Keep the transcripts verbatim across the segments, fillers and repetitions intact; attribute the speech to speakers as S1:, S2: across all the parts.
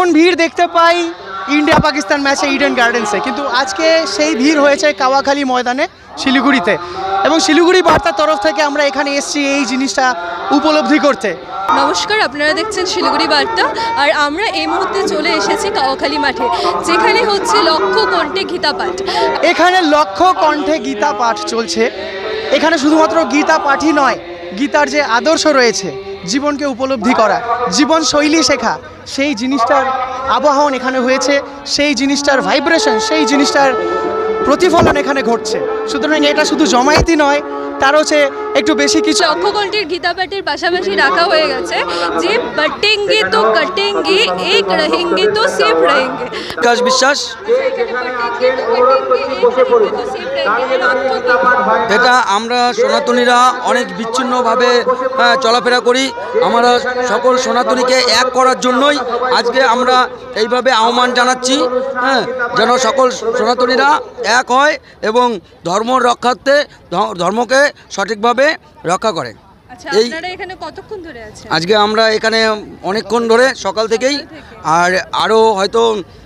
S1: এমন ভিড় দেখতে পাই ইন্ডিয়া পাকিস্তান ম্যাচে ইডেন গার্ডেন্সে, কিন্তু আজকে সেই ভিড় হয়েছে কাওয়াখালী ময়দানে শিলিগুড়িতে, এবং শিলিগুড়ি বার্তার তরফ থেকে আমরা এখানে এসেছি এই জিনিসটা উপলব্ধি করতে।
S2: নমস্কার, আপনারা দেখছেন শিলিগুড়ি বার্তা, আর আমরা এই মুহূর্তে চলে এসেছি কাওয়াখালী মাঠে, যেখানে হচ্ছে লক্ষ কণ্ঠে গীতা পাঠ।
S1: এখানে লক্ষ কণ্ঠে গীতা পাঠ চলছে। এখানে শুধুমাত্র গীতা পাঠই নয়, গীতার যে আদর্শ রয়েছে, জীবনকে উপলব্ধি করা, জীবন শৈলী শেখা, সেই জিনিসটার আবাহন এখানে হয়েছে, সেই জিনিসটার ভাইব্রেশন, সেই জিনিসটার প্রতিফলন এখানে ঘটছে। সুতরাং এটা শুধু জমায়েতই নয়, তার হচ্ছে একটু বেশি কিছু।
S2: লক্ষ কণ্ঠের গীতা পাঠের পাশাপাশি রাখা হয়ে গেছে যে বটেঙ্গে তো কটেঙ্গে, এক রহেঙ্গে তো সেফ রহেঙ্গে।
S3: বিকাশ বিশ্বাস, এটা আমরা সনাতনীরা অনেক বিচ্ছিন্নভাবে চলাফেরা করি। আমরা সকল সনাতনীকে এক করার জন্যই আজকে আমরা এইভাবে আহ্বান জানাচ্ছি, হ্যাঁ, যেন সকল সনাতনীরা এক হয় এবং ধর্ম রক্ষার্থে ধর্মকে সঠিকভাবে রক্ষা করে।
S2: এই এখানে কতক্ষণ ধরে আছেন?
S3: আজকে আমরা এখানে অনেকক্ষণ ধরে, সকাল থেকেই, আর আরও হয়তো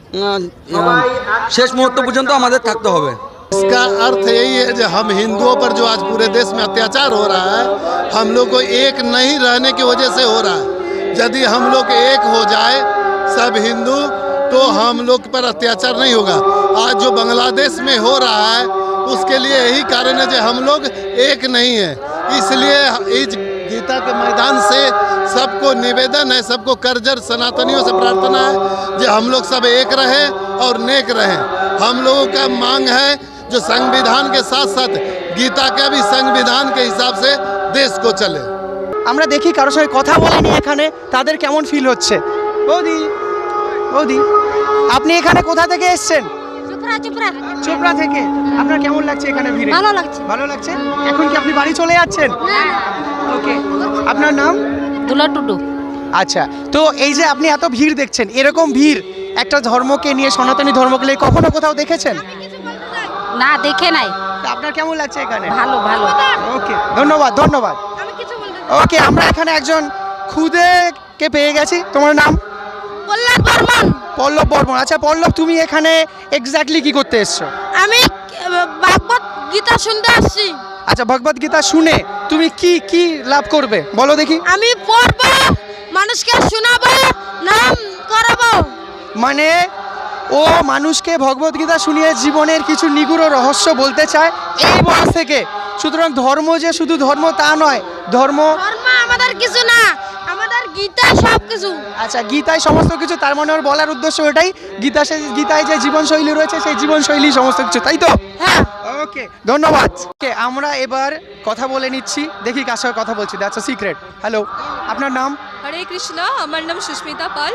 S3: শেষ মুহূর্ত পর্যন্ত আমাদের থাকতে হবে।
S4: इसका अर्थ यही है जो हम हिंदुओं पर जो आज पूरे देश में अत्याचार हो रहा है, हम लोग को एक नहीं रहने की वजह से हो रहा है। यदि हम लोग एक हो जाए सब हिंदू, तो हम लोग पर अत्याचार नहीं होगा। आज जो बांग्लादेश में हो रहा है उसके लिए यही कारण है जो हम लोग एक नहीं है। इसलिए इस गीता के मैदान से सबको निवेदन है, सबको करजर सनातनियों से प्रार्थना है जो हम लोग सब एक रहें और नेक रहें। हम लोगों का मांग है जो संविधान के साथ साथ गीता का भी संविधान के हिसाब से देश को चले।
S1: আমরা দেখি কারোর সঙ্গে কথা বলেনি এখানে, তাদের কেমন ফিল হচ্ছে। বৌদি, বৌদি, আপনি এখানে কোথা থেকে এসেছেন?
S5: চোপড়া।
S1: চোপড়া থেকে। আপনার কেমন লাগছে এখানে ভিড়ে?
S5: ভালো লাগছে।
S1: ভালো লাগছে। এখন কি আপনি বাড়ি চলে যাচ্ছেন? ওকে। আপনার নাম?
S5: দুলা টুডু।
S1: আচ্ছা, তো এই যে আপনি এত ভিড় দেখছেন, এরকম ভিড় একটা ধর্মকে নিয়ে, সনাতনী ধর্মকে নিয়ে কখনো কোথাও দেখেছেন?
S5: না, দেখে নাই।
S1: তা আপনার কেমন লাগছে এখানে?
S5: ভালো ভালো।
S1: ওকে, ধন্যবাদ ধন্যবাদ। ওকে, আমরা এখানে একজন খুদেকে পেয়ে গেছি। তোমার নাম?
S5: পল্লব বর্মন।
S1: পল্লব বর্মন। আচ্ছা পল্লব, তুমি এখানে এক্স্যাক্টলি কি করতে এসছো?
S5: আমি ভাগবত গীতা শুনতে আসছি।
S1: আচ্ছা, ভগবত গীতা শুনে তুমি কি কি লাভ করবে বলো দেখি।
S5: আমি পড়বো, মানুষকে শোনাবো, নাম করাবো।
S1: মানে ও মানুষকে ভগবত গীতা শুনিয়ে জীবনের কিছু নিগুড় রহস্য বলতে চায় এই বয়স থেকে। সুতরাং ধর্ম যে শুধু ধর্ম তা নয়, ধর্ম
S5: ধর্ম আমাদের কিছু না, আমাদের গীতা সব কিছু।
S1: আচ্ছা, গীতায় সমস্ত কিছু, তার মানে ওর বলার উদ্দেশ্য ওটাই, গীতা সে গীতায় যে জীবনশৈলী রয়েছে সেই জীবনশৈলী সমস্ত কিছু, তাই তো?
S5: হ্যাঁ।
S1: ওকে, ধন্যবাদ। ওকে, আমরা এবার কথা বলে নিচ্ছি, দেখি কার সঙ্গে কথা বলছি। That's a secret. হ্যালো, আপনার নাম?
S2: হরে কৃষ্ণ, আমার নাম সুস্মিতা পাল।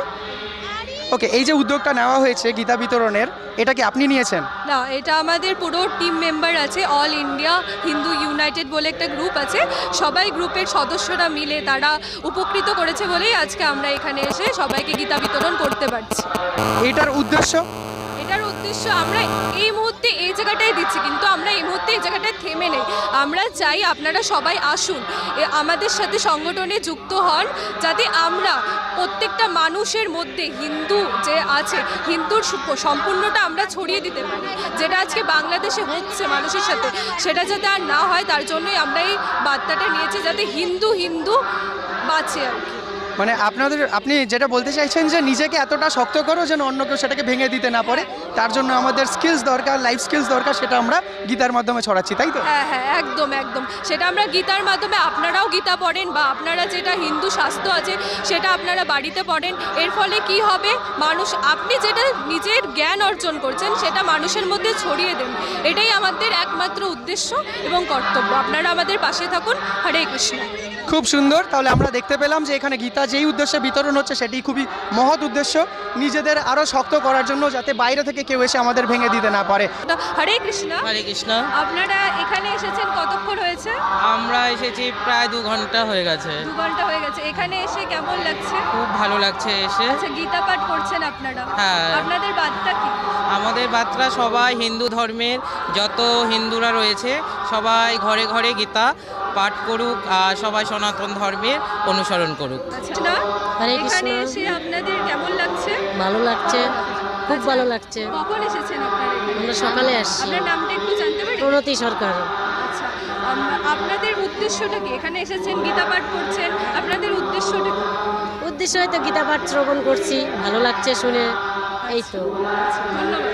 S1: ওকে, এই যে উদ্যোগটা নেওয়া হয়েছে গীতা বিতরণের, এটা কি আপনি নিয়েছেন?
S2: না, এটা আমাদের পুরো টিম মেম্বার আছে, অল ইন্ডিয়া হিন্দু ইউনাইটেড বলে একটা গ্রুপ আছে, সবাই গ্রুপের সদস্যরা মিলে তারা উপকৃত করেছে বলেই আজকে আমরা এখানে এসে সবাইকে গীতা বিতরণ করতে পারছি।
S1: এটার উদ্দেশ্য?
S2: এটার উদ্দেশ্য আমরা এই মুহূর্তে এই জায়গাটায় দিচ্ছি, কিন্তু আমরা এই মুহূর্তে এই জায়গাটায় থেমে নেই। আমরা চাই আপনারা সবাই আসুন, আমাদের সাথে সংগঠনে যুক্ত হন, যাতে আমরা প্রত্যেকটা মানুষের মধ্যে হিন্দু যে আছে, হিন্দুর সম্পূর্ণটা আমরা ছড়িয়ে দিতে পারি। যেটা আজকে বাংলাদেশে হচ্ছে মানুষের সাথে, সেটা যাতে আর না হয়, তার জন্যই আমরা এই বার্তাটা নিয়েছি, যাতে হিন্দু হিন্দু বাঁচে আর কি।
S1: মানে আপনাদের, আপনি যেটা বলতে চাইছেন যে নিজেকে এতটা শক্ত করো যেন অন্য কেউ সেটাকে ভেঙে দিতে না পারে, তার জন্য আমাদের স্কিলস দরকার, লাইফ স্কিলস দরকার, সেটা আমরা গীতার মাধ্যমে ছড়াচ্ছি, তাই তো?
S2: হ্যাঁ হ্যাঁ, একদম একদম, সেটা আমরা গীতার মাধ্যমে, আপনারাও গীতা পড়েন বা আপনারা যেটা হিন্দু শাস্ত্র আছে সেটা আপনারা বাড়িতে পড়েন। এর ফলে কি হবে, মানুষ, আপনি যেটা নিজের জ্ঞান অর্জন করছেন সেটা মানুষের মধ্যে ছড়িয়ে দেন। এটাই আমাদের একমাত্র উদ্দেশ্য এবং কর্তব্য। আপনারা আমাদের পাশে থাকুন। হরে কৃষ্ণ।
S1: খুব সুন্দর। তাহলে আমরা দেখতে পেলাম যে এখানে গীতা যেই উদ্দেশ্যে বিতরণ হচ্ছে সেটি খুবই মহৎ উদ্দেশ্য, নিজেদের আরও শক্ত করার জন্য, যাতে বাইরে থেকে কেউ এসে আমাদের ভেঙে দিতে না পারে।
S2: হরে কৃষ্ণ।
S6: হরে কৃষ্ণ।
S2: আপনারা এখানে এসেছেন কতক্ষণ হয়েছে?
S6: আমরা এসেছি প্রায় দু ঘন্টা হয়ে গেছে।
S2: দু ঘন্টা হয়ে গেছে। এখানে এসে কেমন লাগছে?
S6: খুব ভালো লাগছে এসে।
S2: আচ্ছা, গীতা পাঠ করছেন আপনারা?
S6: হ্যাঁ।
S2: আপনাদের বার্তা কি?
S6: আমাদের বার্তা, সবাই হিন্দু ধর্মের যত হিন্দুরা রয়েছে সবাই ঘরে ঘরে গীতা পাঠ করুক আর সবাই সনাতন ধর্মের অনুসরণ করুক।
S2: আচ্ছা,
S7: হরে কৃষ্ণ।
S2: এখানে এসে আপনাদের কেমন লাগছে?
S7: ভালো লাগছে, খুব ভালো লাগছে।
S2: কখন এসেছেন আপনারা এখানে?
S7: আমরা সকালে আসছি।
S2: আপনার নামটা একটু জানতে পারি?
S7: প্রণতি সরকার।
S2: আচ্ছা, আম- আপনাদের উদ্দেশ্যটা কি? এখানে এসেছেন, গীতা পাঠ করছেন, আপনাদের উদ্দেশ্যটা কি?
S7: উদ্দেশ্য হয়তো গীতা পাঠ শ্রবণ করছি, ভালো লাগছে শুনে, এই তো।
S2: ধন্যবাদ।